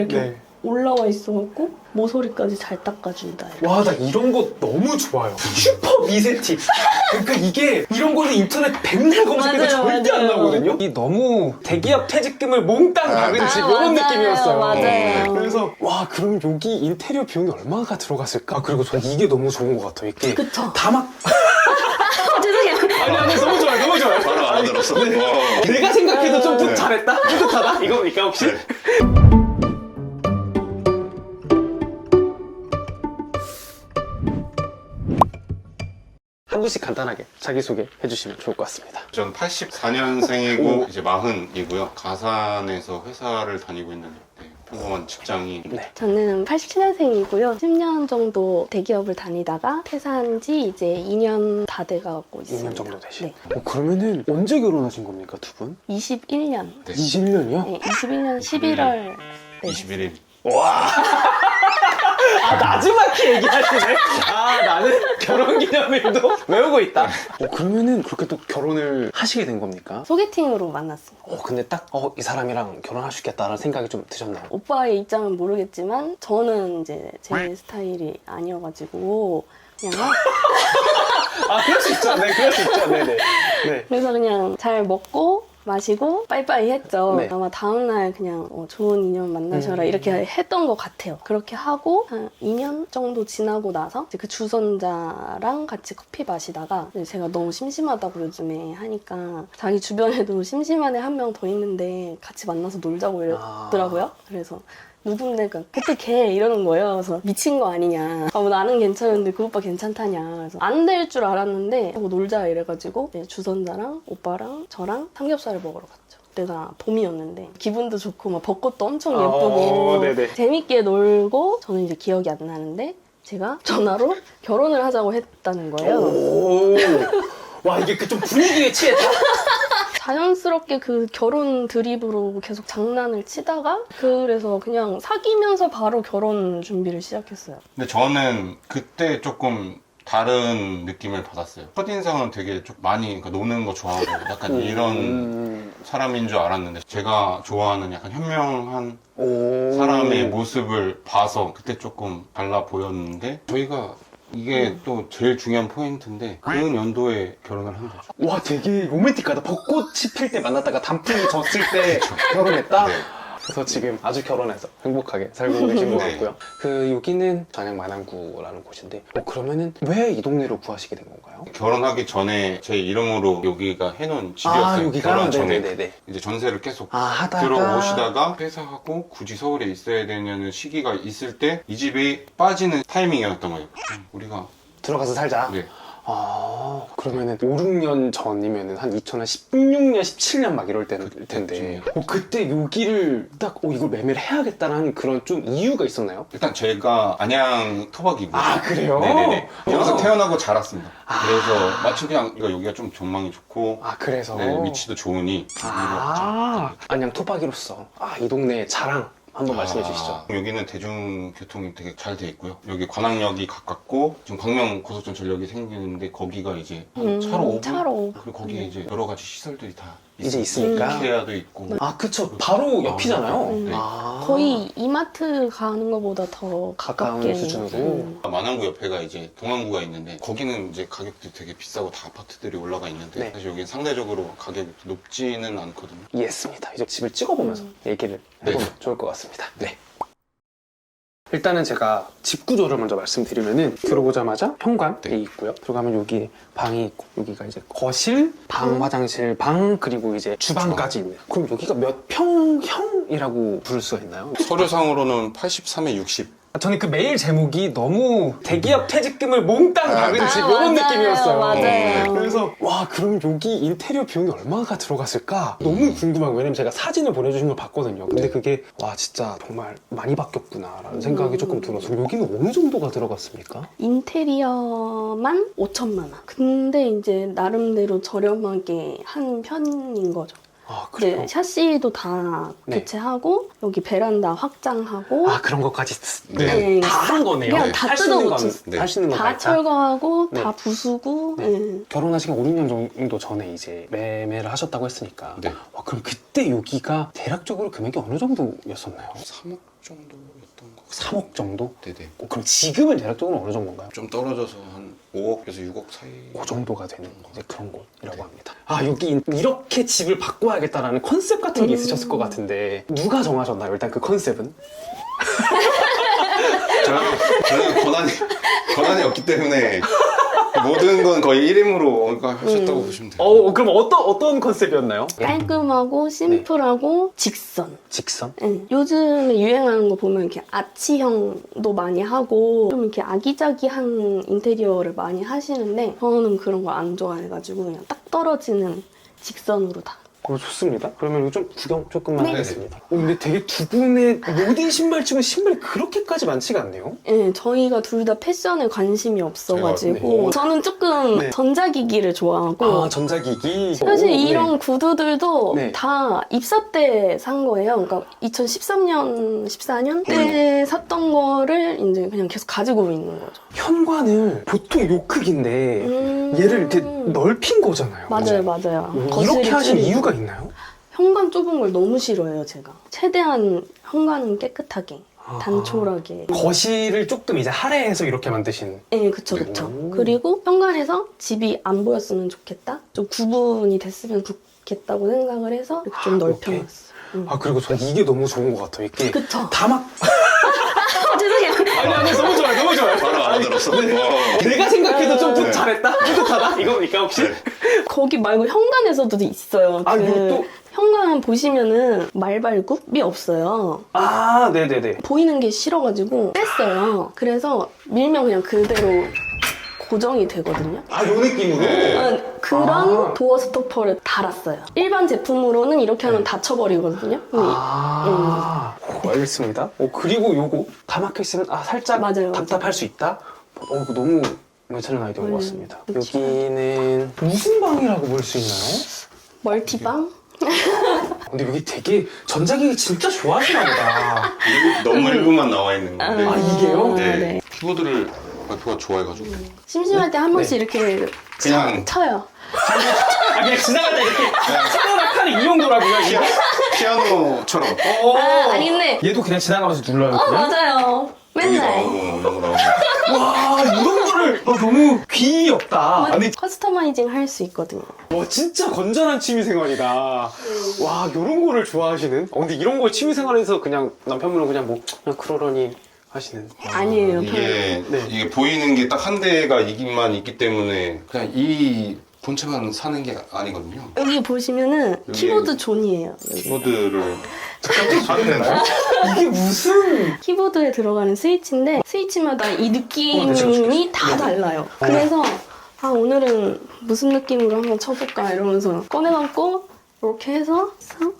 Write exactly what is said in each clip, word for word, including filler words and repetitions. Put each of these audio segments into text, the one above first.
이렇게 네. 올라와 있어갖고 모서리까지 잘 닦아준다. 와, 나 이런 거 너무 좋아요. 슈퍼 미세티. 그러니까 이게 이런 거는 인터넷 백날 검색해도 맞아요, 절대 안 맞아요. 나오거든요. 이 너무 대기업 퇴직금을 몽땅 박은 아, 집 아, 이런 맞아요, 느낌이었어요. 맞아요. 그래서 와, 그럼 여기 인테리어 비용이 얼마가 들어갔을까? 아, 그리고 저는 이게 너무 좋은 것 같아요. 이게 그쵸. 다 막 죄송해요. 아니 아니 너무 좋아요, 너무 좋아요. 바로 알아들었어. 와. 내가 생각해도 좀, 좀 네. 잘했다? 뿌듯하다? 이겁니까 혹시? 네. 한 분씩 간단하게 자기소개 해주시면 좋을 것 같습니다. 전 팔십사 년생이고 이제 마흔이고요. 가산에서 회사를 다니고 있는 네, 평범한 직장인. 네. 저는 팔십칠 년생이고요. 십 년 정도 대기업을 다니다가 퇴사한 지 이제 이 년 다 돼가고 있습니다. 이 년 정도 되신. 네. 어, 그러면은 언제 결혼하신 겁니까, 두 분? 이십일 년. 네. 이십일 년이요? 네, 이십일 년 십일월. 네. 이십일 일. 와. 아, 나지막히 얘기하시네? 아, 나는 결혼기념일도 외우고 있다. 어, 그러면은 그렇게 또 결혼을 하시게 된 겁니까? 소개팅으로 만났습니다. 어, 근데 딱, 어, 이 사람이랑 결혼할 수 있겠다라는 생각이 좀 드셨나요? 오빠의 입장은 모르겠지만 저는 이제 제 스타일이 아니어가지고 그냥 아, 그럴 수 있죠. 네, 그럴 수 있죠. 네네. 네. 그래서 그냥 잘 먹고 마시고 빠이빠이 했죠. 네. 아마 다음날 그냥 어, 좋은 인연 만나셔라 음. 이렇게 했던 것 같아요. 그렇게 하고 한 이 년 정도 지나고 나서 이제 그 주선자랑 같이 커피 마시다가 이제 제가 너무 심심하다고 요즘에 하니까 자기 주변에도 심심한 애 한 명 더 있는데 같이 만나서 놀자고 이랬더라고요. 아. 그래서 누군데 그 그때 걔 이러는 거예요. 그래서 미친 거 아니냐. 아, 뭐 나는 괜찮은데 그 오빠 괜찮다냐. 그래서 안 될 줄 알았는데 뭐 놀자 이래가지고 이제 주선자랑 오빠랑 저랑 삼겹살을 먹으러 갔죠. 그때가 봄이었는데 기분도 좋고 막 벚꽃도 엄청 예쁘고 어, 네네. 재밌게 놀고 저는 이제 기억이 안 나는데 제가 전화로 결혼을 하자고 했다는 거예요. 오. 와, 이게 그 좀 분위기에 취했다. 자연스럽게 그 결혼 드립으로 계속 장난을 치다가 그래서 그냥 사귀면서 바로 결혼 준비를 시작했어요. 근데 저는 그때 조금 다른 느낌을 받았어요. 첫인상은 되게 좀 많이 그러니까 노는 거 좋아하고 약간 이런 음. 사람인 줄 알았는데 제가 좋아하는 약간 현명한 오. 사람의 모습을 봐서 그때 조금 달라 보였는데 저희가 이게 또 제일 중요한 포인트인데 그 연도에 결혼을 한 거죠. 와, 되게 로맨틱하다. 벚꽃이 필 때 만났다가 단풍이 졌을 때 결혼했다? 네. 그래서 지금 아주 결혼해서 행복하게 살고 계신 것 네. 같고요. 그 여기는 전양 만안구라는 곳인데 어, 그러면은 왜 이 동네로 구하시게 된 건가요? 결혼하기 전에 제 이름으로 여기가 해놓은 집이었어요. 아, 여기가? 결혼 전에. 네네네. 이제 전세를 계속 아, 하다가 들어오시다가 퇴사하고 굳이 서울에 있어야 되는 시기가 있을 때 이 집이 빠지는 타이밍이었던 거예요. 음, 우리가 들어가서 살자. 네. 아, 그러면은 오, 육 년 전이면은 한 이천십육 년, 십칠 년 막 이럴 때일 텐데 어, 그때 여기를 딱 어, 이걸 매매를 해야겠다는 그런 좀 이유가 있었나요? 일단 제가 안양 토박이고 아, 그래요? 네네네. 여기서 어. 태어나고 자랐습니다. 아. 그래서 마침 그냥 여기가 좀 전망이 좋고 아, 그래서 네, 위치도 좋으니 아, 안양 토박이로서 아, 이 동네의 자랑 한번 말씀해 아, 주시죠. 여기는 대중교통이 되게 잘 돼 있고요. 여기 관악역이 가깝고 지금 광명 고속전 전력이 생기는데 거기가 이제 한 음, 차로 오 분? 차로 오 분. 그리고 거기에 이제 여러 가지 시설들이 다 이제 있어요. 있으니까. 이케아도 있고 아, 그쵸. 바로 옆이잖아요. 음. 네. 아. 거의 이마트 가는 것보다 더 가까운 가깝게 수준으로. 음. 만안구 옆에가 이제 동안구가 있는데 거기는 이제 가격도 되게 비싸고 다 아파트들이 올라가 있는데 네. 사실 여기는 상대적으로 가격이 높지는 않거든요. 이해했습니다. 이제 집을 찍어보면서 음. 얘기를 네. 해보면 좋을 것 같습니다. 네. 일단은 제가 집 구조를 먼저 말씀드리면은 들어오자마자 현관이 네. 있고요. 들어가면 여기 방이 있고 여기가 이제 거실, 방, 음. 화장실, 방 그리고 이제 주방까지 있네요. 그럼 여기가 몇 평형이라고 부를 수가 있나요? 서류상으로는 팔십삼에 육십. 저는 그 메일 제목이 너무 대기업 퇴직금을 몽땅 박은 아, 집 이런 맞아요. 느낌이었어요. 맞아요. 그래서 와, 그럼 여기 인테리어 비용이 얼마가 들어갔을까? 너무 궁금하고 왜냐면 제가 사진을 보내주신 걸 봤거든요. 근데 그게 와, 진짜 정말 많이 바뀌었구나라는 생각이 음. 조금 들어서 여기는 어느 정도가 들어갔습니까? 인테리어만 오천만 원. 근데 이제 나름대로 저렴하게 한 편인 거죠. 아, 그래요? 네, 샤시도 다 네. 교체하고 여기 베란다 확장하고 아, 그런 것까지 네. 다 한 거네요. 그냥 다 할 수 있는 건, 뜯어고쳤어요. 네. 할 수 있는 건 다 다 있다. 철거하고 네. 다 부수고 네. 네. 결혼하신 오, 육 년 정도 전에 이제 매매를 하셨다고 했으니까 네. 와, 그럼 그때 여기가 대략적으로 금액이 어느 정도였었나요? 삼억 정도였던 거. 삼억 정도? 네네. 어, 그럼 지금은 대략적으로 어느 정도인가요? 좀 떨어져서 한 오억에서 육억 사이. 그 정도가 되는 이제 그런 곳이라고 합니다. 아 여기 이렇게 집을 바꿔야겠다라는 컨셉 같은 게 있으셨을 것 같은데 누가 정하셨나요? 일단 그 컨셉은? 저는, 저는 권한이 권한이 없기 때문에 모든 건 거의 일 임으로 하셨다고 음. 보시면 돼요. 어 그럼 어떤 어떤 컨셉이었나요? 깔끔하고 심플하고 직선. 직선? 응. 요즘에 유행하는 거 보면 이렇게 아치형도 많이 하고 좀 이렇게 아기자기한 인테리어를 많이 하시는데 저는 그런 거 안 좋아해가지고 그냥 딱 떨어지는 직선으로 다. 어, 좋습니다. 그러면 이거 좀 구경 조금만 네. 하겠습니다. 어, 근데 되게 두 분의 모든 신발 치고 신발이 그렇게까지 많지가 않네요. 네, 저희가 둘 다 패션에 관심이 없어가지고 제가, 네. 저는 조금 네. 전자기기를 좋아하고 아 전자기기. 사실 오, 이런 네. 구두들도 네. 다 입사 때 산 거예요. 그러니까 이천십삼 년, 십사 년 때 샀던 거를 이제 그냥 계속 가지고 있는 거죠. 현관을 보통 요 크기인데 음. 얘를 이렇게 넓힌 거잖아요. 맞아요, 맞아요. 음, 거실이 이렇게 하신 줄이고. 이유가 있나요? 현관 좁은 걸 너무 싫어해요, 제가. 최대한 현관은 깨끗하게, 아. 단촐하게. 거실을 조금 이제 할애해서 이렇게 만드신. 네, 그쵸, 그쵸. 오. 그리고 현관에서 집이 안 보였으면 좋겠다? 좀 구분이 됐으면 좋겠다고 생각을 해서 이렇게 좀 아, 넓혀놨어요. 음. 아 그리고 전 이게 너무 좋은 것 같아요. 이게 그쵸. 다막 아, 죄송해요. 아니 아니 너무 좋아요, 너무 좋아요. 바로 알아들었어. 와. 내가 생각해도 좀 네. 잘했다, 뿌듯하다 이거니까 혹시? 네. 거기 말고 현관에서도 있어요. 아, 그 이것도? 현관 보시면은 말발굽이 없어요. 아 네네네. 보이는 게 싫어가지고 뺐어요. 그래서 밀면 그냥 그대로 고정이 되거든요. 아 요 느낌으로. 네. 아, 그런 아. 도어 스토퍼를 달았어요. 일반 제품으로는 이렇게 하면 닫혀버리거든요. 근데 아, 오, 알겠습니다. 어, 그리고 요거 다 막혀 있으면 아 살짝 맞아요, 답답할 수 있다. 어, 이거 너무 괜찮은 아이디어인 것 음, 같습니다. 그쵸. 여기는 무슨 방이라고 볼 수 있나요? 멀티방? 근데 여기 되게 전자기기 진짜 좋아하시나 보다. 일- 너무 일부만 나와 있는 건데. 아, 이게요? 네. 네. 키보드를 와이프가 좋아해가지고 심심할 때 한 번씩 네. 이렇게 그냥 쳐요. 아 그냥 지나갈 때 이렇게 차라락 하는 이 정도라고요? 이거? 피아노처럼. 어. 아, 아닌데. 얘도 그냥 지나가면서 눌러요. 어, 그냥? 맞아요. 여기 맨날. 나오고 너무 나오고. 와 이런 거를 아, 너무 귀엽다. 아니 커스터마이징 할 수 있거든요. 와 진짜 건전한 취미생활이다. 와 이런 거를 좋아하시는? 어, 근데 이런 걸 취미생활에서 그냥 남편분은 그냥 뭐 그냥 그러려니 하시는. 아니에요. 이게 네. 이게 보이는 게 딱 한 대가 이기만 있기 때문에 그냥 이 본체만 사는 게 아니거든요. 여기 보시면은 여기- 키보드 존이에요. 여기. 키보드를 사도 되나요? 이게 무슨? 키보드에 들어가는 스위치인데 스위치마다 이 어, 네, 느낌이 지금, 지금. 다 달라요. 그래서 아 오늘은 무슨 느낌으로 한번 쳐볼까 이러면서 꺼내갖고 이렇게 해서 싹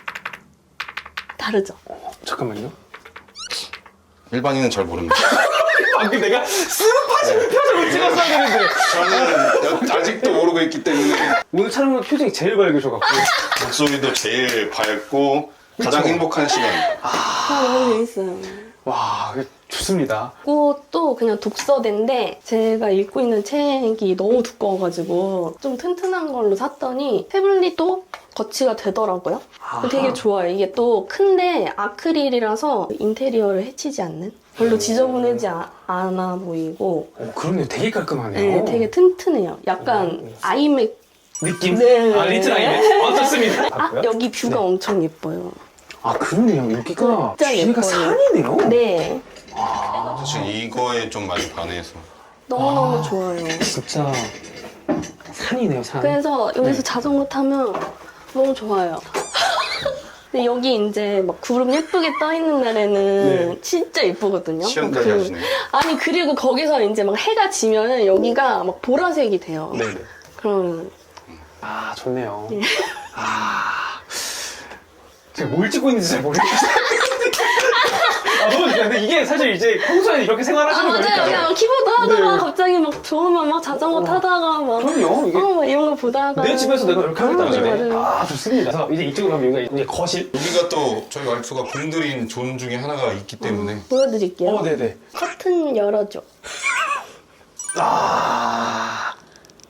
다르죠. 잠깐만요. 일반인은 잘 모릅니다. 방금 내가 스파시는 표정을 찍었어야 되는데 저는 여- 아직도 모르고 있기 때문에 오늘 촬영은 표정이 제일 밝으셔갖고 목소리도 제일 밝고 가장 그쵸? 행복한 시간. 아 너무 재밌어요. 와 좋습니다. 이것도 그냥 독서대인데 제가 읽고 있는 책이 너무 두꺼워가지고 좀 튼튼한 걸로 샀더니 태블릿도 거치가 되더라고요. 아하. 되게 좋아요. 이게 또 큰데 아크릴이라서 인테리어를 해치지 않는? 별로 지저분하지 아- 않아 보이고 어, 그러네요. 되게 깔끔하네요. 네, 되게 튼튼해요. 약간 음. 아이맥 느낌? 네. 아 리틀 아이네. 어 좋습니다. 아 여기 뷰가 네. 엄청 예뻐요. 아 그러네요. 여기가 진짜 뒤가 예뻐요. 산이네요. 네, 사실 이거에 좀 많이 반해서 너무너무 아. 좋아요. 진짜 산이네요. 산. 그래서 여기서 네. 자전거 타면 너무 좋아요. 근데 여기 이제 막 구름 예쁘게 떠 있는 날에는 네. 진짜 예쁘거든요. 시연까지 그- 하시네요. 아니 그리고 거기서 이제 막 해가 지면은 여기가 막 보라색이 돼요. 네네. 그러면 아 좋네요. 예. 아 제가 뭘 찍고 있는지 잘 모르겠어요. 아 너무 좋다. 근데 이게 사실 이제 평소에 이렇게 아 생활하시는 맞아요. 거니까. 그냥 키보드 하다가 네. 갑자기 막 좋으면 막 자전거 어. 타다가 막 그럼요. 이게 어, 막 이런 거 보다가 내 집에서 내가 이렇게 하겠다. 아, 네, 맞아요. 아 좋습니다. 그래서 이제 이쪽으로 가면 여기가 이제 거실. 여기가 또 저희 와이프가 공들인 존 중에 하나가 있기 때문에 보여드릴게요. 어 네네. 커튼 열어줘. 아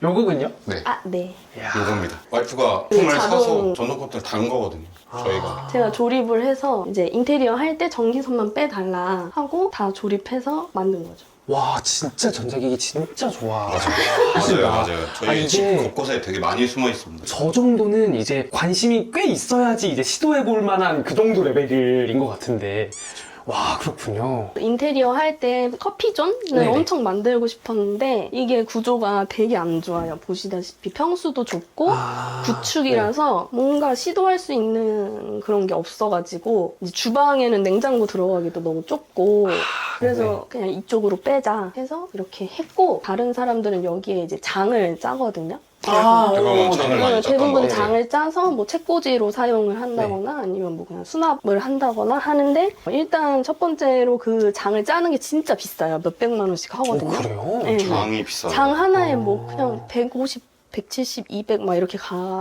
요거군요? 네. 아, 네. 이야. 요겁니다. 와이프가 네, 품을 자동- 사서 전동 커튼을 단 거거든요. 저희가. 제가 조립을 해서 이제 인테리어 할 때 전기선만 빼달라 하고 다 조립해서 만든 거죠. 와 진짜 전자기기 진짜 좋아. 맞아요, 맞아요. 저희 아, 이게- 집 곳곳에 되게 많이 숨어 있습니다. 저 정도는 이제 관심이 꽤 있어야지 이제 시도해볼 만한 그 정도 레벨인 것 같은데. 와 그렇군요. 인테리어 할 때 커피존을 네네. 엄청 만들고 싶었는데 이게 구조가 되게 안 좋아요. 보시다시피 평수도 좁고 아, 구축이라서 뭔가 시도할 수 있는 그런 게 없어가지고 이제 주방에는 냉장고 들어가기도 너무 좁고 그래서 네. 그냥 이쪽으로 빼자 해서 이렇게 했고 다른 사람들은 여기에 이제 장을 짜거든요. 아, 대부분 어, 장을 네. 많이 네, 짰던 대부분 거. 장을 짜서 뭐 책꽂이로 사용을 한다거나 아니면 뭐 그냥 수납을 한다거나 하는데 일단 첫 번째로 그 장을 짜는 게 진짜 비싸요. 몇백만 원씩 어, 하거든요. 그래요? 네. 장이 비싸요. 장 하나에 뭐 어. 그냥 백오십, 백칠십, 이백 막 이렇게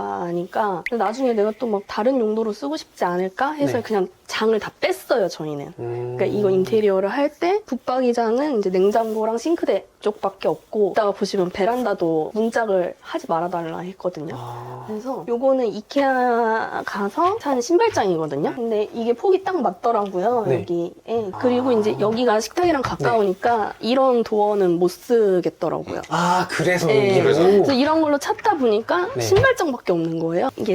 가니까 나중에 내가 또 막 다른 용도로 쓰고 싶지 않을까 해서 네. 그냥 장을 다 뺐어요, 저희는. 음. 그러니까 이거 인테리어를 할 때 붙박이장은 이제 냉장고랑 싱크대 쪽밖에 없고 이따가 보시면 베란다도 문짝을 하지 말아달라 했거든요. 아, 그래서 요거는 이케아 가서 산 신발장이거든요. 근데 이게 폭이 딱 맞더라고요, 네. 여기에. 그리고 아. 이제 여기가 식탁이랑 가까우니까 이런 도어는 못 쓰겠더라고요. 아 그래서 네. 여기로. 그래서 이런 걸로 찾다 보니까 네. 신발장밖에 없는 거예요. 이게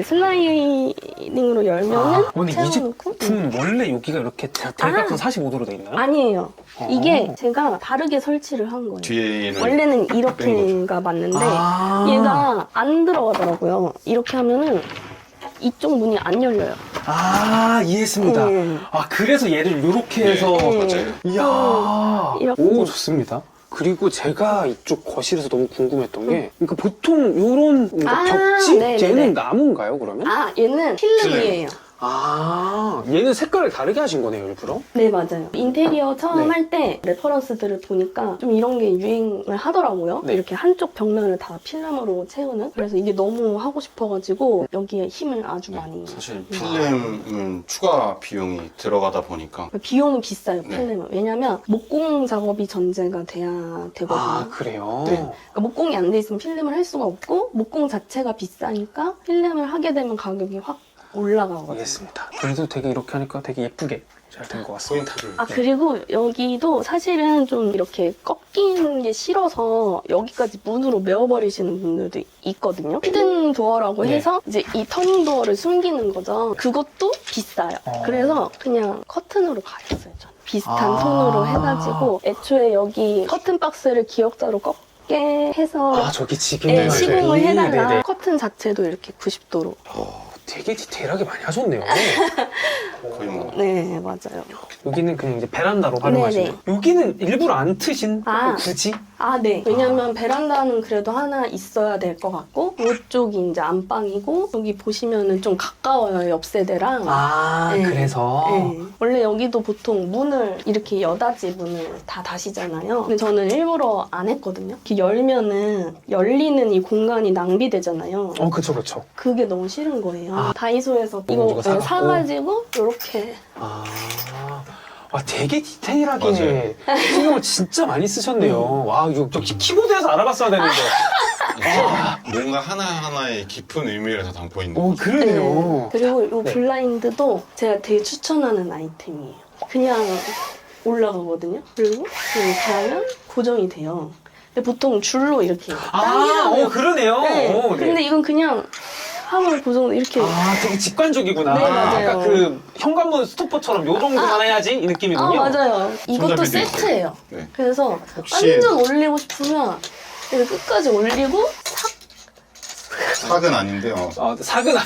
슬라이딩으로 열면은 아, 근데 이 채워놓고 제품은 원래 여기가 이렇게 대- 대각선 아. 사십오 도로 돼 있나요? 아니에요. 어. 이게 제가 다르게 설치를 한 거예요. 뒤에는 원래는 뺀 이렇게가 맞는데 아. 얘가 안 들어가더라고요. 이렇게 하면은 이쪽 문이 안 열려요. 아 이해했습니다. 음. 아 그래서 얘를 이렇게 네, 해서 맞아요. 이야 이렇게. 오 좋습니다. 그리고 제가 이쪽 거실에서 너무 궁금했던 게 그러니까 보통 이런 아, 벽지 네네네. 얘는 나무인가요 그러면? 아, 얘는 필름이에요. 아 얘는 색깔을 다르게 하신 거네요 일부러? 네, 맞아요. 인테리어 처음 네. 할 때 레퍼런스들을 보니까 좀 이런 게 유행을 하더라고요. 네. 이렇게 한쪽 벽면을 다 필름으로 채우는. 그래서 이게 너무 하고 싶어가지고 여기에 힘을 아주 많이. 사실 필름은 추가 비용이 들어가다 보니까 비용은 비싸요, 네. 필름은. 왜냐면 목공 작업이 전제가 돼야 되거든요. 아 그래요? 네. 그러니까 목공이 안 돼 있으면 필름을 할 수가 없고 목공 자체가 비싸니까 필름을 하게 되면 가격이 확 올라가거든요. 알겠습니다. 그래도 되게 이렇게 하니까 되게 예쁘게 잘 된 것 같습니다. 포인트를 아 그리고 여기도 사실은 좀 이렇게 꺾이는 게 싫어서 여기까지 문으로 메워버리시는 분들도 있거든요. 히든 도어라고 네. 해서 이제 이 터닝 도어를 숨기는 거죠. 그것도 비싸요. 어. 그래서 그냥 커튼으로 가렸어요. 저는 비슷한 아. 톤으로 해가지고 애초에 여기 커튼 박스를 기역자로 꺾게 해서 아 저기 지금 네, 시공을 해달라. 네네. 커튼 자체도 이렇게 구십 도로. 어, 되게 디테일하게 많이 하셨네요. 거의 뭐 네, 맞아요. 여기는 그냥 이제 베란다로 활용하시는 네네. 거예요. 여기는 일부러 안 트신 아. 굳이? 아, 네. 왜냐면 베란다는 그래도 하나 있어야 될 것 같고, 이쪽이 이제 안방이고, 여기 보시면은 좀 가까워요, 옆 세대랑. 아 네. 그래서 네. 원래 여기도 보통 문을 이렇게 여닫이 문을 다 다시잖아요. 근데 저는 일부러 안 했거든요. 이렇게 열면은 열리는 이 공간이 낭비되잖아요. 어 그쵸 그쵸. 그게 너무 싫은 거예요. 아. 다이소에서 이거 이거 네, 사갖고. 사가지고 이렇게 아, 아 되게 디테일하게 맞아요. 신경을 진짜 많이 쓰셨네요. 음. 와 이거 역시 키보드에서 알아봤어야 되는데. 아. 뭔가 하나하나의 깊은 의미를 다 담고 있는 어 거죠. 그러네요. 그리고 이 네. 블라인드도 제가 되게 추천하는 아이템이에요. 그냥 올라가거든요. 그리고 그냥 가면 고정이 돼요. 근데 보통 줄로 이렇게 아, 당기면 어 그러네요. 네. 어, 네. 근데 이건 그냥 하면 고정 이렇게 아, 되게 직관적이구나. 네, 맞아요. 아까 그 현관문 스토퍼처럼 요 정도만 해야지 이 느낌이군요. 아 맞아요. 이것도 손잡이도 있어요. 세트예요. 네. 그래서 혹시- 완전 올리고 싶으면 이렇게 끝까지 올리고 싹 삭은 아닌데 어. 아, 사근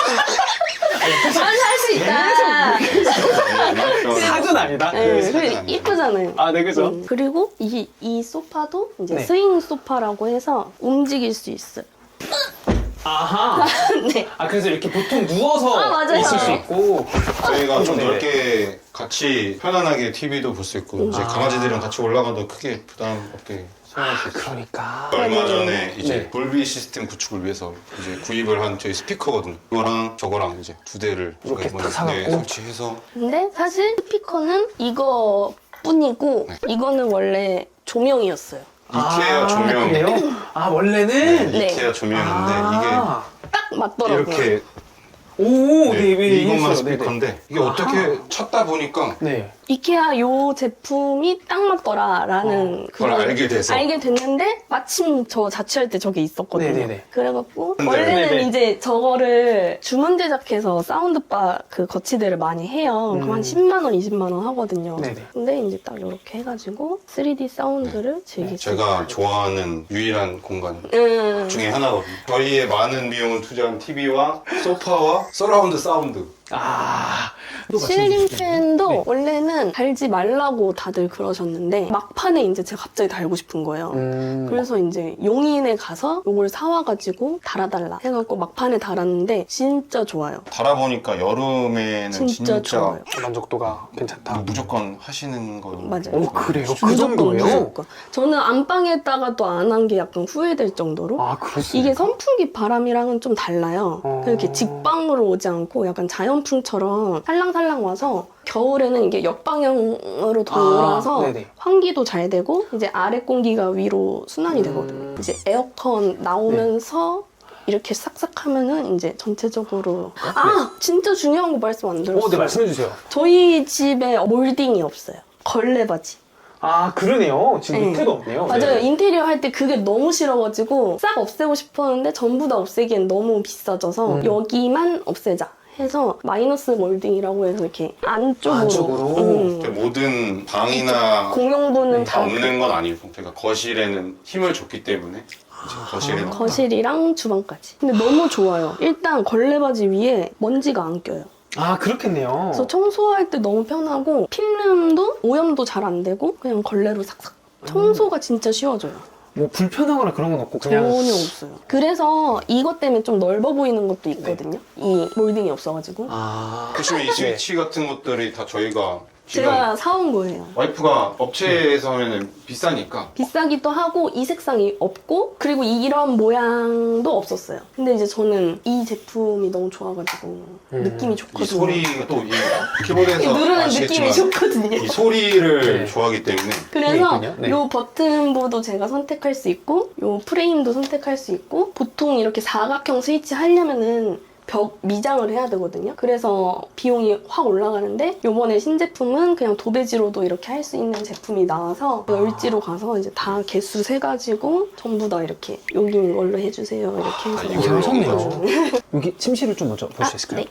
할수 있다. 사근 아니다. 네, 삭은 그리고 아니에요. 이쁘잖아요. 아, 네 그죠. 음, 그리고 이, 이 소파도 이제 네. 스윙 소파라고 해서 움직일 수 있어요. 아하. 네. 아 그래서 이렇게 보통 누워서 아, 맞아요. 있을 수 있고. 저희가 좀 네네. 넓게 같이 편안하게 티비도 볼 수 있고 이제 아. 강아지들이랑 같이 올라가도 크게 부담 없게 사용할 수 있어요. 그러니까. 얼마 전에 이제 네. 돌비 시스템 구축을 위해서 이제 구입을 한 저희 스피커거든요. 이거랑 저거랑 이제 두 대를 이렇게 저희가 딱 사갖고? 네, 설치해서 근데 사실 스피커는 이거 뿐이고 네. 이거는 원래 조명이었어요. 이케아 조명. 그래요? 아 원래는 네. 이케아 조명인데 아. 딱 이게 맞더라고요. 이렇게 오, 네, 네, 네, 이것만 이해했어요. 스피커인데 이게 아하. 어떻게 찾다 보니까 네. 이케아 요 제품이 딱 맞더라라는 그걸 알게 돼서 알게 됐는데 마침 저 자취할 때 저게 있었거든요. 네네네. 그래갖고 네. 원래는 네네. 이제 저거를 주문 제작해서 사운드바 그 거치대를 많이 해요. 그럼 음. 한 십만 원, 이십만 원 하거든요. 네네. 근데 이제 딱 이렇게 해가지고 쓰리디 사운드를 즐길 수 제가 있어요. 좋아하는 유일한 공간 음. 중에 하나거든요. 저희의 많은 비용을 투자한 티비와 소파와 서라운드 사운드. 아. 또 말씀해 주시겠네요. 실링팬도 네. 원래는 달지 말라고 다들 그러셨는데 막판에 이제 제가 갑자기 달고 싶은 거예요. 음. 그래서 이제 용인에 가서 이걸 사와가지고 달아달라 해갖고 막판에 달았는데 진짜 좋아요. 달아보니까 여름에는 진짜, 진짜, 좋아요. 만족도가 괜찮다. 무조건 하시는 거. 맞아요. 오, 그래요? 그 무조건, 정도예요? 무조건. 저는 안방에다가 또 안 한 게 약간 후회될 정도로 아, 그렇습니까? 이게 선풍기 바람이랑은 좀 달라요. 어. 이렇게 직방으로 오지 않고 약간 자연풍처럼 살랑살랑 와서 겨울에는 이게 역방향으로 돌아서 아, 네네. 환기도 잘 되고 이제 아래 공기가 위로 순환이 음. 되거든요. 이제 에어컨 나오면서 이렇게 싹싹 하면은 이제 전체적으로 아 진짜 중요한 거 말씀 안 들었어요. 어, 네, 말씀해 주세요. 저희 집에 몰딩이 없어요. 걸레바지. 아, 그러네요. 지금 네. 밑에도 없네요. 맞아요. 네. 인테리어 할 때 그게 너무 싫어가지고 싹 없애고 싶었는데 전부 다 없애기엔 너무 비싸져서 음. 여기만 없애자 해서 마이너스 몰딩이라고 해서 이렇게 안쪽으로, 안쪽으로? 음, 모든 방이나 공용부는 네. 다 다 없는 건 아니고 제가 거실에는 힘을 줬기 때문에 이제 거실에는 그 거실이랑 주방까지. 근데 너무 좋아요. 일단 걸레바지 위에 먼지가 안 껴요. 아, 그렇겠네요. 그래서 청소할 때 너무 편하고 필름도 오염도 잘 안 되고 그냥 걸레로 싹싹 청소가 진짜 쉬워져요. 뭐 불편하거나 그런 건 없고 그냥 전혀 없어요. 그래서 이것 때문에 좀 넓어 보이는 것도 있거든요. 이 몰딩이 없어가지고. 아. 보시면 이 스위치 같은 것들이 다 저희가 지금 제가 사온 거예요. 와이프가 업체에서는 비싸니까 비싸기도 하고 이 색상이 없고 그리고 이런 모양도 없었어요. 근데 이제 저는 이 제품이 너무 좋아가지고 음. 느낌이 이 좋거든요. 소리가 또 이 키보드에서 누르는 아시겠지만 느낌이 좋거든요. 이 소리를 네. 좋아하기 때문에 그래서 있군요. 네. 요 버튼부도 제가 선택할 수 있고 요 프레임도 선택할 수 있고 보통 이렇게 사각형 스위치 하려면은 벽 미장을 해야 되거든요. 그래서 비용이 확 올라가는데 요번에 신제품은 그냥 도배지로도 이렇게 할 수 있는 제품이 나와서 열지로 가서 이제 다 개수 세가지고 전부 다 이렇게 여기 이걸로 해주세요 이렇게 해서 아, 이거 이걸로 하셨네요. 여기 침실을 좀 먼저 볼 수 아, 있을까요?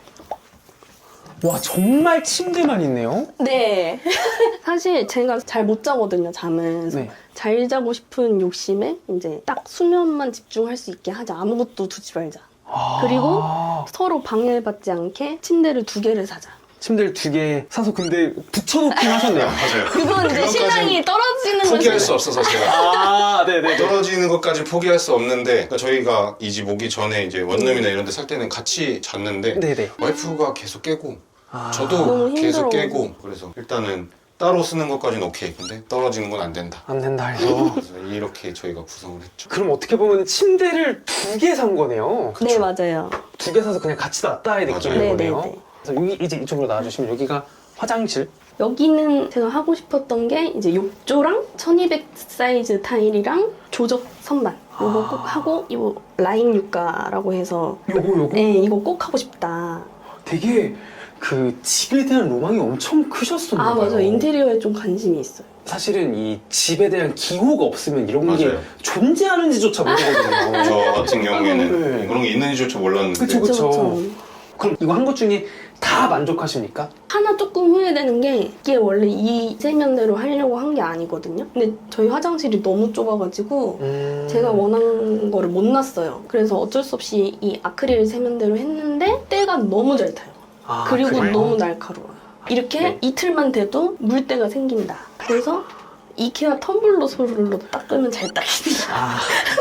네. 와, 정말 침대만 있네요. 네. 사실 제가 잘 못 자거든요, 잠을. 그래서 네. 잘 자고 싶은 욕심에 이제 딱 수면만 집중할 수 있게 하자. 아무것도 두지 말자. 아. 그리고 서로 방해받지 않게 침대를 두 개를 사자. 침대를 두 개 사서 근데 붙여놓긴 하셨네요. 맞아요. 그건 이제 신랑이 떨어지는 포기할 거지. 수 없어서 제가 아, 네네. 떨어지는 것까지 포기할 수 없는데 그러니까 저희가 이 집 오기 전에 이제 원룸이나 이런 데 살 때는 같이 잤는데 네네. 와이프가 계속 깨고 아. 저도 너무 계속 힘들어. 깨고 그래서 일단은 따로 쓰는 것까지는 오케이. 근데 떨어지는 건 안 된다. 안 된다 해서. 그래서 이렇게 저희가 구성을 했죠. 그럼 어떻게 보면 침대를 두 개 산 거네요. 네, 맞아요. 두 개 사서 그냥 같이 놨다 해야 되겠죠, 맞아요. 이거네요. 네, 네, 그래서 여기 이제 이쪽으로 나와주시면 여기가 화장실. 여기는 제가 하고 싶었던 게 이제 욕조랑 천이백 사이즈 타일이랑 조적 선반. 요거 꼭 하고 이 라인 육가라고 해서 요거 요거. 네, 이거 꼭 하고 싶다. 되게 그 집에 대한 로망이 엄청 크셨었나 아, 봐요. 맞아요. 인테리어에 좀 관심이 있어요. 사실은 이 집에 대한 기호가 없으면 이런 게 맞아요. 존재하는지조차 모르거든요. 저 같은 경우에는 네. 그런 게 있는지조차 몰랐는데 그쵸, 그쵸. 그쵸. 그럼 이거 한 것 중에 다 만족하십니까? 하나 조금 후회되는 게 이게 원래 이 세면대로 하려고 한 게 아니거든요. 근데 저희 화장실이 너무 좁아가지고 음... 제가 원하는 거를 못 놨어요. 그래서 어쩔 수 없이 이 아크릴 세면대로 했는데 때가 너무 잘 타요. 아, 그리고 그래요? 너무 날카로워요. 이렇게 네. 이틀만 돼도 물때가 생긴다. 그래서 이케아 텀블러 솔로 닦으면 잘 닦인다. 아,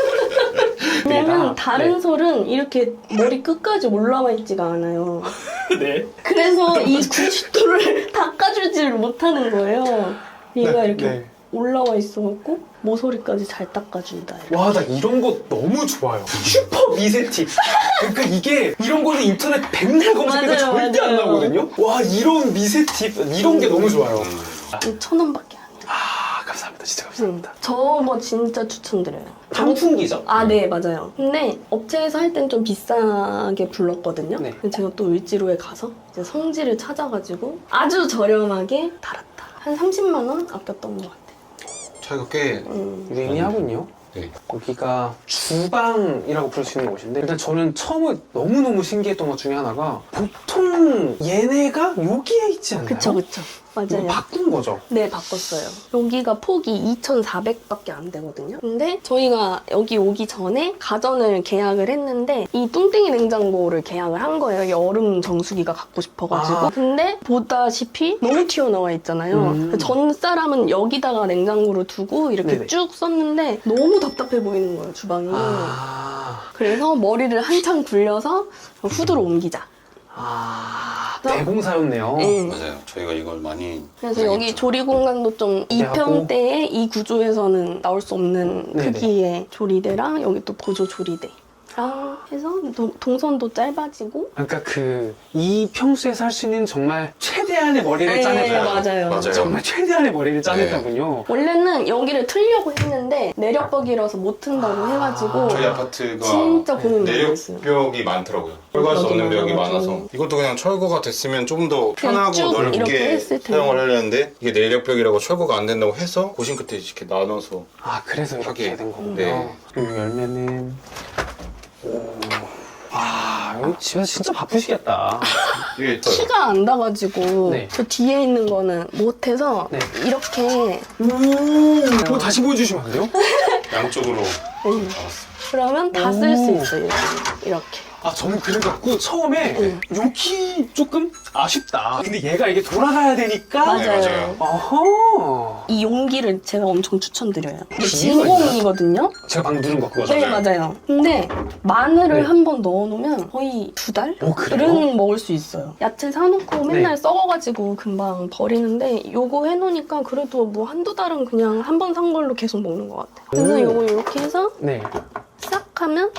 왜냐면 네, 다른 네. 솔은 이렇게 머리 끝까지 올라와 있지가 않아요. 네. 그래서 이 구십 도를 닦아주지를 못하는 거예요. 얘가 네, 이렇게 네. 올라와 있어갖고 모서리까지 잘 닦아준다. 이렇게. 와, 나 이런 거 너무 좋아요. 슈퍼 미세 팁. 그러니까 이게 이런 거는 인터넷 백날 검색해도 맞아요, 절대 안 맞아요. 나오거든요. 와, 이런 미세 팁, 이런 게 너무 좋아요. 음. 천 원밖에 안 해요. 아, 감사합니다. 진짜 감사합니다. 음, 저거 진짜 추천드려요. 환풍기죠? 아, 네, 맞아요. 근데 업체에서 할 땐 좀 비싸게 불렀거든요. 네. 근데 제가 또 을지로에 가서 이제 성지를 찾아가지고 아주 저렴하게 달았다. 한 삼십만 원 아꼈던 것 같아요. 차이가 꽤 음. 유의미하군요. 네. 여기가 주방이라고 부를 수 있는 곳인데 일단 저는 처음에 너무너무 신기했던 것 중에 하나가 보통 얘네가 여기에 있지 않나요? 그쵸, 그쵸. 이거 맞아요. 바꾼 거죠? 네, 바꿨어요. 여기가 폭이 이천사백밖에 안 되거든요. 근데 저희가 여기 오기 전에 가전을 계약을 했는데 이 뚱땡이 냉장고를 계약을 한 거예요. 이 얼음 정수기가 갖고 싶어가지고. 아. 근데 보다시피 너무 튀어나와 있잖아요. 음. 전 사람은 여기다가 냉장고를 두고 이렇게 네네. 쭉 썼는데 너무 답답해 보이는 거예요, 주방이. 아, 그래서 머리를 한참 굴려서 후드로 옮기자. 아 그래서- 대공사였네요. 네. 맞아요. 저희가 이걸 많이 그래서 여기 조리 공간도 좀 이 하고. 평대의 이 구조에서는 나올 수 없는 네네. 크기의 조리대랑 여기 또 보조 조리대랑 해서 도- 동선도 짧아지고. 그러니까 그 이 평수에서 할 수 있는 정말 최대한의 머리를 네, 짜냈다. 맞아요. 맞아요. 정말 최대한의 머리를 짜냈다군요. 원래는 여기를 틀려고 했는데 내력벽이라서 못 튼다고 해가지고 저희 아파트가 진짜 고민 많이 했어요. 내력벽이 많더라고요. 철거할 수 맞아, 없는 벽이 맞아. 많아서 이것도 그냥 철거가 됐으면 좀 더 그냥 편하고 쭉 이렇게 넓게 했을 텐데. 사용을 하려는데 이게 내력벽이라고 철거가 안 된다고 해서 고심 끝에 이렇게 나눠서 아 그래서 이렇게 하게. 된 거군요. 네. 이 열매는 오. 아 여기 집에서 진짜 바쁘시겠다. 이게 키가 안 닿아가지고 네. 저 뒤에 있는 거는 못해서 네. 이렇게 그거 다시 보여주시면 안 돼요? 양쪽으로 음. 잡았어요. 그러면 다 쓸 수 오. 있어요. 이렇게. 이렇게. 아 저는 그래갖고 처음에 응. 여기 조금 아쉽다. 근데 얘가 이게 돌아가야 되니까. 맞아요. 네, 맞아요. 어허. 이 용기를 제가 엄청 추천드려요. 이게 이유가 진공이거든요. 제가 방금 누른 거 그거죠? 네, 맞아요. 근데 마늘을 네. 한 번 넣어놓으면 거의 두 달? 어, 그래요? 은 먹을 수 있어요. 야채 사놓고 맨날 네. 썩어가지고 금방 버리는데 요거 해놓으니까 그래도 뭐 한두 달은 그냥 한 번 산 걸로 계속 먹는 것 같아요. 그래서 오. 요거 이렇게 해서 네. 싹 하면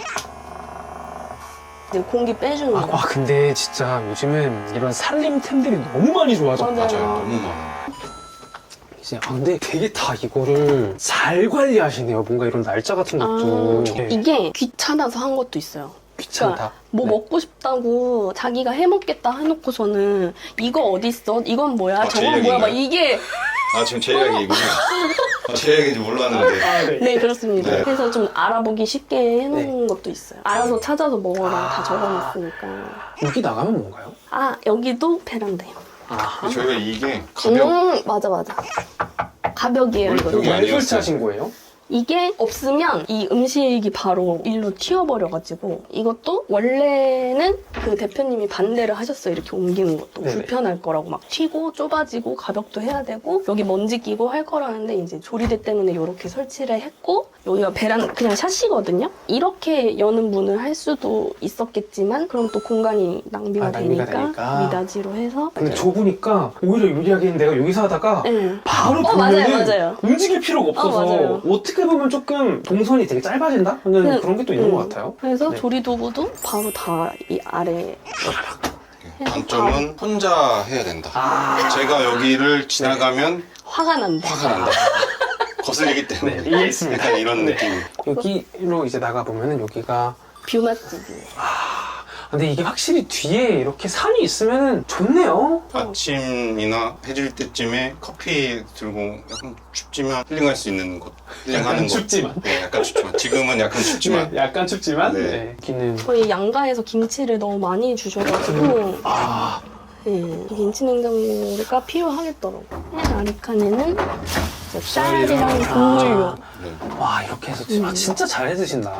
이제 공기 빼주는 아, 거예요. 아, 근데 진짜 요즘은 이런 살림템들이 너무 많이 좋아졌다. 맞아요. 맞아요. 너무 많아요. 이제 아 근데 되게 다 이거를 잘 관리하시네요. 뭔가 이런 날짜 같은 것도. 아, 네. 이게 귀찮아서 한 것도 있어요. 귀찮다. 뭐 네. 먹고 싶다고 자기가 해먹겠다 해놓고서는 이거 어딨어? 이건 뭐야? 아, 제 저건 뭐야? 막 이야기인가요? 이게 아 지금 제 이야기이군요. 아, 제 이야기인지 몰랐는데. 아, 네. 네 그렇습니다. 네. 그래서 좀 알아보기 쉽게 해놓은 것도 있어요. 알아서 찾아서 먹어라 아. 다 적어놨으니까. 여기 나가면 뭔가요? 아 여기도 베란다요. 아, 저희가 이게 가볍 음 맞아 맞아. 가벽이에요 이거. 여기 왜 아니었어요. 설치하신 거예요? 이게 없으면 이 음식이 바로 일로 튀어버려가지고 이것도 원래는 그 대표님이 반대를 하셨어요. 이렇게 옮기는 것도 네네. 불편할 거라고 막 튀고 좁아지고 가벽도 해야 되고 여기 먼지 끼고 할 거라는데 이제 조리대 때문에 이렇게 설치를 했고 여기가 베란 그냥 샷이거든요. 이렇게 여는 문을 할 수도 있었겠지만 그럼 또 공간이 낭비가, 아, 낭비가 되니까, 되니까. 미닫이로 해서 근데 좁으니까 오히려 유리하게 내가 여기서 하다가 네. 바로 어, 보면은 맞아요, 맞아요. 움직일 필요가 없어서 어, 맞아요. 어떻게 보면 조금 동선이 되게 짧아진다? 하는 네. 그런 게 또 있는 음. 것 같아요. 그래서 네. 조리 도구도 바로 다 이 아래 단점은 혼자 해야 된다. 아, 제가 여기를 지나가면 화가 난다. 화가 난다. 거슬리기 때문에. 네, 이해했습니다. 약간 이런 네. 느낌. 여기로 이제 나가 보면은 여기가 뷰 맛집이에요. 근데 이게 확실히 뒤에 이렇게 산이 있으면 좋네요. 아침이나 해질 때쯤에 커피 들고 약간 춥지만 힐링할 수 있는 곳. 힐링하는 곳. 춥지만. 네, 약간 춥지만. 지금은 약간 춥지만. 네, 약간 춥지만 네. 네. 여기는 저희 양가에서 김치를 너무 많이 주셔가지고 아 네, 김치 냉장고가 필요하겠더라고요. 아리칸에는 이제 쌀이랑 국물용. 네. 와 이렇게 해서 진- 아, 진짜 잘 해드신다.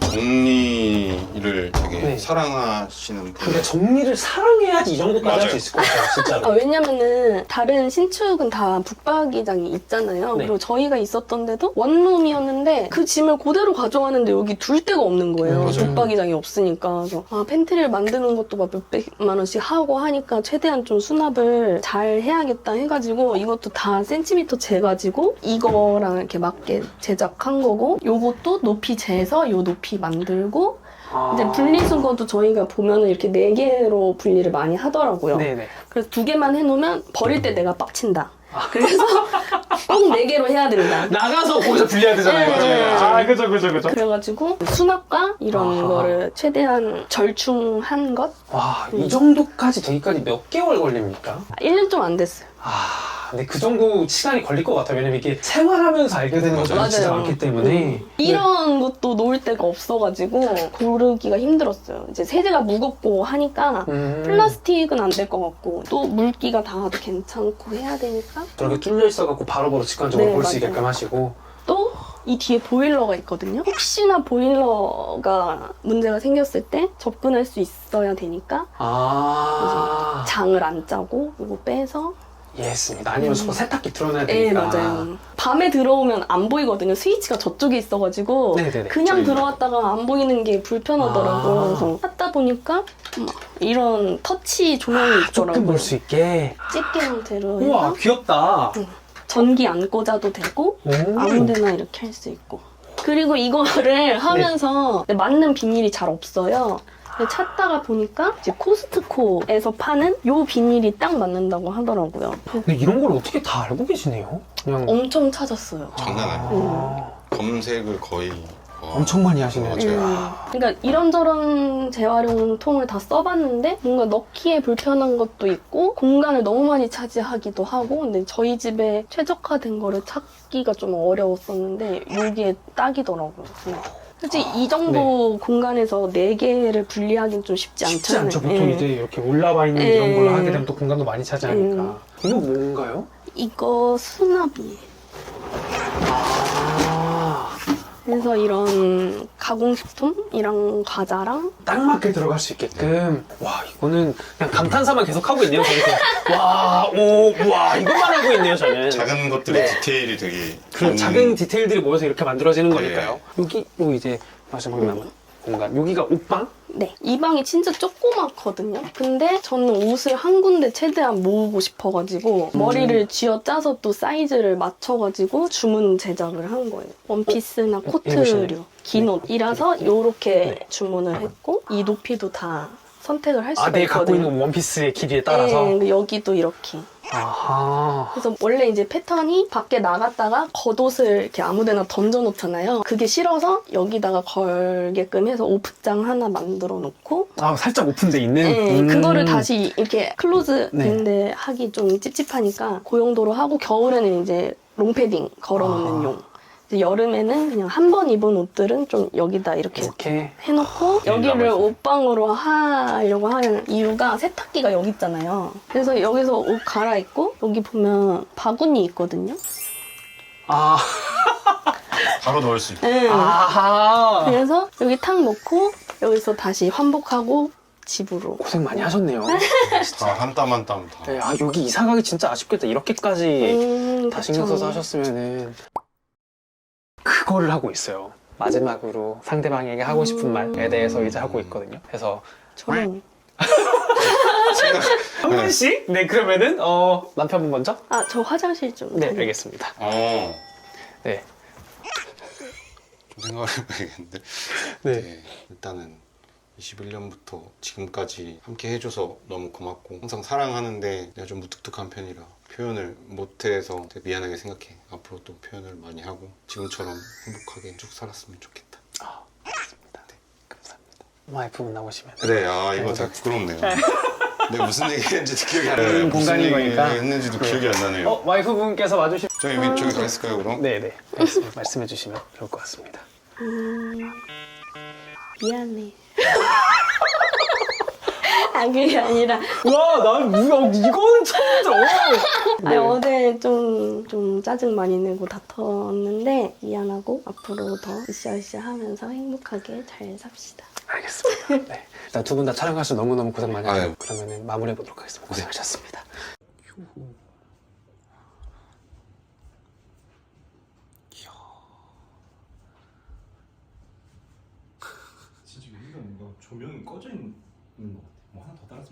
정리를 되게 네. 사랑하시는 분. 근데 정리를 사랑해야지 이 정도까지 할 수 맞아요. 있을 것 같아요, 아, 진짜로. 왜냐면은 다른 신축은 다 북박이장이 있잖아요. 네. 그리고 저희가 있었던 데도 원룸이었는데 그 짐을 그대로 가져가는데 여기 둘 데가 없는 거예요. 음, 맞아요. 북박이장이 없으니까. 그래서 아, 팬트리를 만드는 것도 막 몇백만 원씩 하고 하니까 최대한 좀 수납을 잘 해야겠다 해가지고 이것도 다 센티미터 재가지고 이거랑 이렇게 맞게 제작한 거고 요것도 높이 재서 요 높이 만들고 아. 이제 분리수거도 저희가 보면은 이렇게 네 개로 분리를 많이 하더라고요. 네네. 그래서 두 개만 해놓으면 버릴 때 내가 빡친다. 그래서 꼭 네 개로 해야 된다. 나가서 거기서 분리해야 되잖아요. 네. 아, 그죠, 그죠, 그죠. 그래가지고 수납과 이런 아하. 거를 최대한 절충한 것? 와, 이 정도까지 되기까지 몇 개월 걸립니까? 일 년 좀 안 됐어요. 아, 근데 그 정도 시간이 걸릴 것 같아요. 왜냐면 이게 생활하면서 알게 되는 것들이 맞아요. 진짜 맞아요. 많기 때문에. 이런 것도 놓을 데가 없어가지고 고르기가 힘들었어요. 이제 세제가 무겁고 하니까 음. 플라스틱은 안 될 것 같고 또 물기가 닿아도 괜찮고 해야 되니까 저렇게 뚫려 있어갖고 바로바로 직관적으로 네, 볼 수 맞아요. 있게끔 하시고. 또 이 뒤에 보일러가 있거든요. 혹시나 보일러가 문제가 생겼을 때 접근할 수 있어야 되니까 아. 장을 안 짜고 이거 빼서 이해했습니다. 아니면 저 세탁기 틀어놔야 네 되니까. 맞아요. 밤에 들어오면 안 보이거든요. 스위치가 저쪽에 있어가지고 네네네. 그냥 저희- 들어왔다가 안 보이는 게 불편하더라고요. 아. 그래서 하다 보니까 막 이런 터치 조명이 조금 있더라고요. 볼 수 있게. 집게 형태로 우와, 해서 귀엽다. 전기 안 꽂아도 되고 오. 아무데나 이렇게 할 수 있고. 그리고 이거를 하면서 맞는 비닐이 잘 없어요. 근데 찾다가 보니까 이제 코스트코에서 파는 요 비닐이 딱 맞는다고 하더라고요. 근데 이런 걸 어떻게 다 알고 계시네요? 그냥. 엄청 찾았어요. 장난 아니에요. 아, 검색을 거의 와, 엄청 많이 하시네요. 맞아요. 음, 그러니까 이런저런 재활용 통을 다 써봤는데 뭔가 넣기에 불편한 것도 있고 공간을 너무 많이 차지하기도 하고 근데 저희 집에 최적화된 거를 찾기가 좀 어려웠었는데 여기에 딱이더라고요. 네. 솔직히 이 정도 공간에서 네 개를 분리하기는 좀 쉽지 쉽지 않잖아요. 않죠. 보통 예. 이제 이렇게 올라와 있는 예. 이런 걸로 하게 되면 또 공간도 많이 차지하니까. 음. 이거 뭔가요? 이거 수납이에요. 아, 그래서 이런 가공식품이랑 과자랑 딱 맞게 들어갈 수 있게끔. 와, 이거는 그냥 감탄사만 계속 하고 있네요. 저는 그냥. 와, 오, 와, 이것만 알고 있네요, 저는. 작은 것들의 네. 디테일이 되게 그런 음, 작은 디테일들이 모여서 이렇게 만들어지는 네. 거니까요. 여기, 요 이제 마지막 남은 공간. 여기가 옷방? 네. 이 방이 진짜 조그맣거든요. 근데 저는 옷을 한 군데 최대한 모으고 싶어가지고 음. 머리를 쥐어짜서 또 사이즈를 맞춰가지고 주문 제작을 한 거예요. 원피스나 입으시네요. 코트류, 긴 네. 옷이라서 이렇게 네. 주문을 했고 이 높이도 다 선택을 할 수가 아, 내 갖고 있거든요. 있는 원피스의 길이에 따라서. 네, 여기도 이렇게. 아하. 그래서 원래 이제 패턴이 밖에 나갔다가 겉옷을 이렇게 아무데나 던져놓잖아요. 그게 싫어서 여기다가 걸게끔 해서 오프장 하나 만들어 놓고 아, 살짝 오픈돼 있는? 네, 음. 그거를 다시 이렇게 클로즈 네. 된데 하기 좀 찝찝하니까 그 용도로 하고 겨울에는 이제 롱패딩 걸어놓는 아. 용. 이제 여름에는 그냥 한 번 입은 옷들은 좀 여기다 이렇게 이렇게. 해놓고 여기를 남아있어요. 옷방으로 하려고 하는 이유가 세탁기가 여기 있잖아요. 그래서 여기서 옷 갈아입고 여기 보면 바구니 있거든요. 아, 바로 넣을 수 있고 네. 아하. 그래서 여기 탁 놓고 여기서 다시 환복하고 집으로. 고생 많이 하셨네요. 다 한 땀 한 땀 다. 네, 아, 여기 이사 가기 진짜 아쉽겠다. 이렇게까지 음, 다 신경 그쵸. 써서 하셨으면은. 그거를 하고 있어요. 마지막으로 상대방에게 하고 싶은 음. 말에 대해서 이제 하고 있거든요. 그래서 저는 한 분씩? 네, 그러면은 어 남편분 먼저? 아 저 화장실 좀. 네, 다녀- 알겠습니다. 어, 네. 좀 생각을 해봐야겠는데. 네. 네, 일단은 이십일 년부터 지금까지 함께 해줘서 너무 고맙고 항상 사랑하는데 내가 좀 무뚝뚝한 편이라 표현을 못해서 되게 미안하게 생각해. 앞으로 또 표현을 많이 하고 지금처럼 행복하게 쭉 살았으면 좋겠다. 아, 알겠습니다. 네, 감사합니다. 와이프분 나오시면. 그래, 아 이거 되게 부끄럽네요. 내가 무슨 얘기 했는지도 기억이 안 나요. 음, 무슨 공간인 얘기 거니까. 했는지도 네. 기억이 안 나네요. 어, 와이프분께서 와주시. 저희 미 저기 가 있을까요 그럼? 네, 네. 말씀, 말씀해 주시면 좋을 것 같습니다. 음, 미안해. 아 그게 아니라 와, 난 뭐야? 이거는 처음 들어. 아니, 어제 좀, 좀 짜증 많이 내고 다퉜는데 미안하고 앞으로 더 으쌰으쌰 하면서 행복하게 잘 삽시다. 알겠습니다. 네. 일단 두 분 다 촬영하셔서 너무너무 고생 많이 하셨고 아유. 그러면 마무리해 보도록 하겠습니다. 고생하셨습니다. 진짜 여기가 뭔가 조명이 꺼져 있는 것 같아. 뭐 하나 더 달았으면